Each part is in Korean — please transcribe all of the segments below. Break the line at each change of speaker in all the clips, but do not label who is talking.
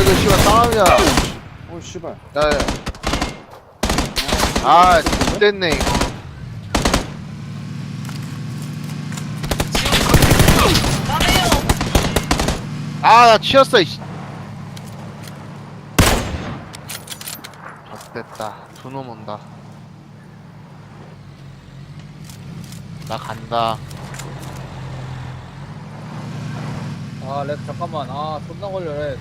이거 씨발 싸움이야.
오 씨발.
야, 야. 아, 됐네 이거. 아, 나 치였어 이씨. 됐다. 두 놈 온다. 나 간다.
아, 렉 잠깐만. 아, 존나 걸려, 렉.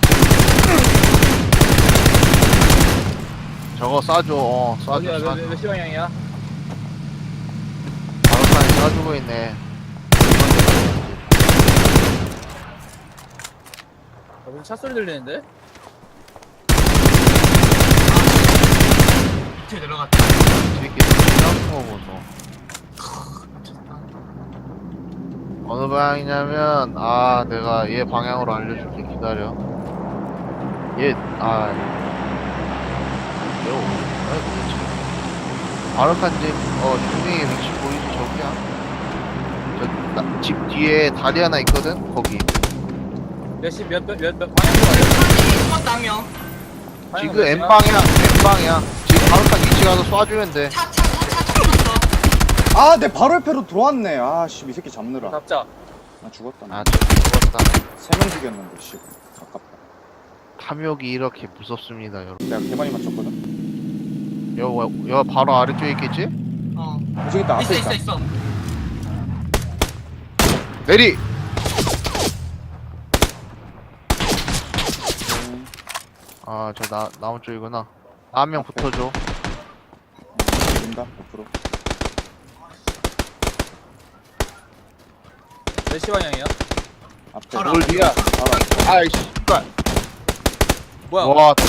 저거 쏴줘. 쏴줘.
어디야,
쏴줘.
몇 시 방향이야?
바로탄이 쏴주고 있네.
무슨 차 소리 들리는데?
밑에 내려갔다.
뒤에 싸우는 거 보소. 어느 방향이냐면, 아, 내가 얘 방향으로 알려줄게. 기다려. 얘, 아, 얘 어디야 도대체? 바로칸 집, 중앙에 위치 보이지? 저기야. 집 뒤에 다리 하나 있거든? 거기.
몇 시, 몇 방향으로 가려?
숨었다 한 명.
지금 N방향. 지금 바로칸 위치 가서 쏴주면 돼.
차 숨었어.
아, 내 바로 옆에로 들어왔네. 아, 씨, 이 새끼 잡느라.
잡자.
나 죽었다.
아, 죽었다.
3명 죽였는데, 씨. 아깝다.
탐욕이 이렇게 무섭습니다, 여러분.
내가 개 많이 맞췄거든.
여 바로 아래쪽에 있겠지?
어.
저기 있다, 앞에
있어
있다.
있어.
내리! 아, 나무 쪽이구나. 한 명 붙어줘.
된다, 100%.
몇 시 방향이야?
앞에.
바로
뭘 뒤야?
알아.
아이씨, 씨발.
뭐야?
와, 다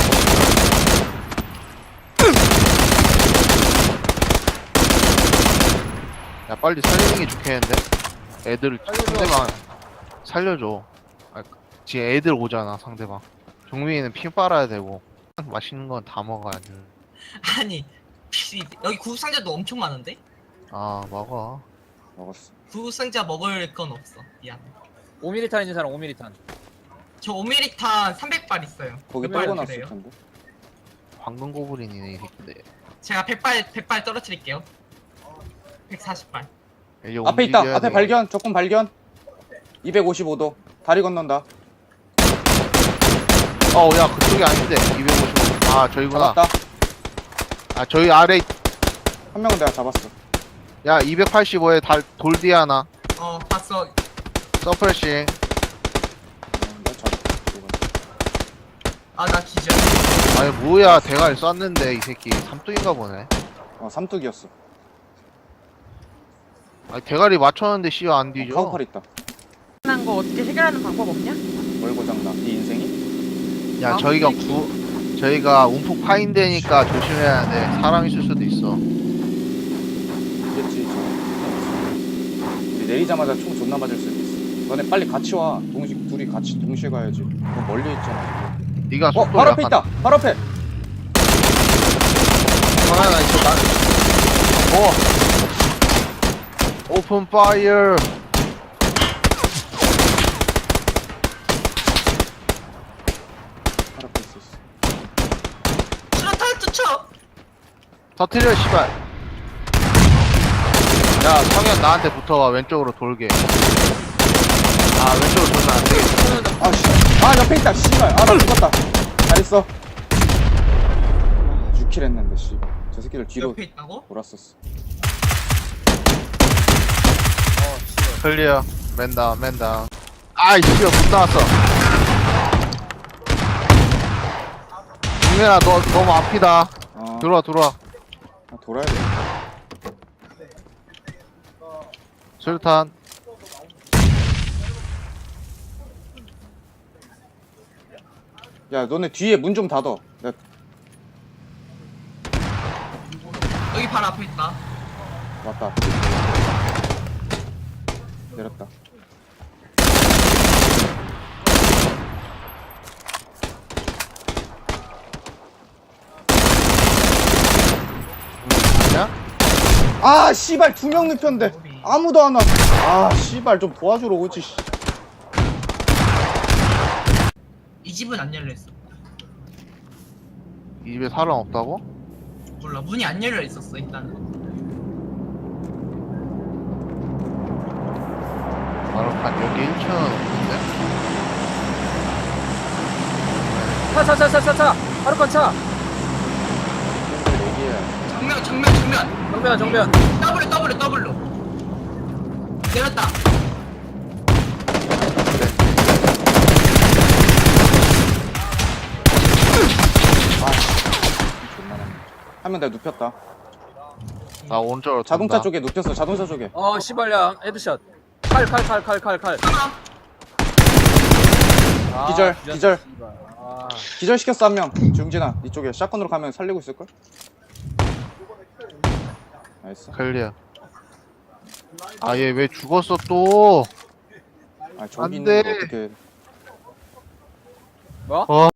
야, 빨리 살리는 게 좋겠는데? 애들,
살려줘.
상대방, 살려줘. 아, 지금 애들 오잖아, 상대방. 종민이는 피 빨아야 되고, 맛있는 건 다 먹어야 돼.
아니 여기 구급상자도 엄청 많은데?
아, 먹어.
먹었어.
구급상자 먹을 건 없어. 미안.
5mm탄 있는 사람 5mm탄.
저 5mm탄 300발 있어요.
거기
몇 발
떨궈놨을
주세요?
텐데.
황금 고블린이네, 이 새끼들.
제가 100발 떨어뜨릴게요. 140발.
이제
앞에 있다.
움직여야
앞에
돼.
발견. 적군 발견. 255도. 다리 건넌다.
야, 그쪽이 아닌데. 255. 아, 저기구나.
잡았다.
아, 저기 아래,
한 명은 내가 잡았어.
야, 285에 돌디 하나.
봤어.
서프레싱.
내가 잡았어.
아, 나 기절.
아니, 뭐야, 대가리 쐈는데, 이 새끼. 삼뚝인가 보네.
삼뚝이었어.
아니, 대가리 맞췄는데, 씨가 안 뒤져.
카우팔 있다.
난 거 어떻게 해결하는 방법 없냐?
뭘 고장나? 네 인생이?
야,
아,
저희가 움푹 파인 데니까 조심해야 돼. 사람 있을 수도 있어.
있겠지. 우리 내리자마자 총 존나 맞을 수도 있어. 너네 빨리 같이 와. 둘이 같이 동시에 가야지. 너 멀리 있잖아.
네가 속도
바로 앞에 있다. 바로 앞에.
하나 있어. 오픈 파이어.
바로 앞에 있었어.
수류탄 투척.
터트려, 씨발. 야, 성현 나한테 붙어와. 왼쪽으로 돌게. 아, 왼쪽으로 돌면 안 되겠다.
아, 씨. 아, 옆에 있다. 씨발. 아, 나 죽었다. 잘했어. 6킬 했는데, 씨. 저 새끼들 뒤로
옆에 있다고?
돌았었어.
클리어. 맨다운. 아이, 씨발, 못 나왔어. 동현아, 너 너무 앞이다. 들어와.
아, 돌아야 돼.
수류탄.
야, 너네 뒤에 문 좀 닫어. 야,
여기 바로 앞에 있다.
왔다. 내렸다.
아니야?
아, 씨발, 2명 눕혔는데. 아무도 안 와. 아, 씨발, 좀 도와주러 오지, 씨.
이 집은 안 열려있어.
이 집에 사람 없다고?
몰라, 문이 안 열려있었어 일단은.
마루칸 여기 1층은 없는데?
차. 하루간 차.
좀 얘기해.
정면.
정면.
W. 내렸다.
존나 많네. 한 명 내가 눕혔다.
나 오른쪽으로
자동차
돈다.
쪽에 눕혔어. 자동차 쪽에.
어 씨발야 헤드샷. 칼.
하나.
아,
기절.
씨발. 아.
기절 시켰어 한 명. 중진아, 이쪽에 샷건으로 가면 살리고 있을 걸? 나이스.
클리어. 아 얘 왜 죽었어 또?
아 저기
안
있는 거
돼.
어떻게?
뭐?
어